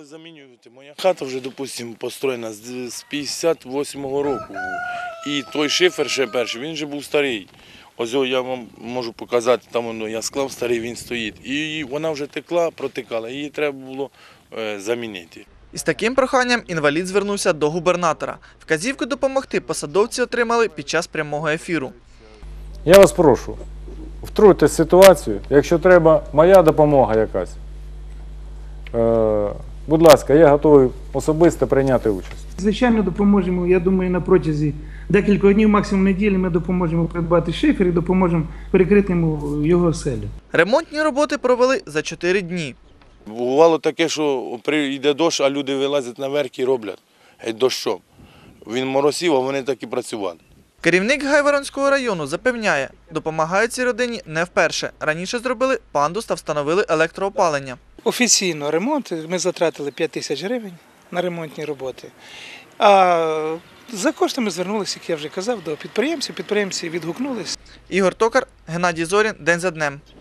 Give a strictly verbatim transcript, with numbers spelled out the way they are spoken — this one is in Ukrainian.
замінювати. Моя хата вже, допустимо, построєна з п'ятдесят восьмого року. І той шифер ще перший, він вже був старий. Ось я вам можу показати, там воно, я склав старий, він стоїть. І вона вже текла, протикала, її треба було е, замінити. Із таким проханням інвалід звернувся до губернатора. Вказівку допомогти посадовці отримали під час прямого ефіру. Я вас прошу, втруйте ситуацію, якщо треба моя допомога якась. Е, будь ласка, я готовий особисто прийняти участь. Звичайно, допоможемо, я думаю, на протязі декількох днів, максимум неділі, ми допоможемо придбати шифер і допоможемо перекрити йому його оселю. Ремонтні роботи провели за чотири дні. Бувало таке, що прийде дощ, а люди вилазять наверх і роблять геть дощом. Він моросів, а вони так і працювали. Керівник Гайворонського району запевняє, допомагають цій родині не вперше. Раніше зробили пандус та встановили електроопалення. Офіційно ремонт, ми затратили п'ять тисяч гривень на ремонтні роботи. А за коштами звернулися, як я вже казав, до підприємців. Підприємці відгукнулися. Ігор Токар, Геннадій Зорін. День за днем.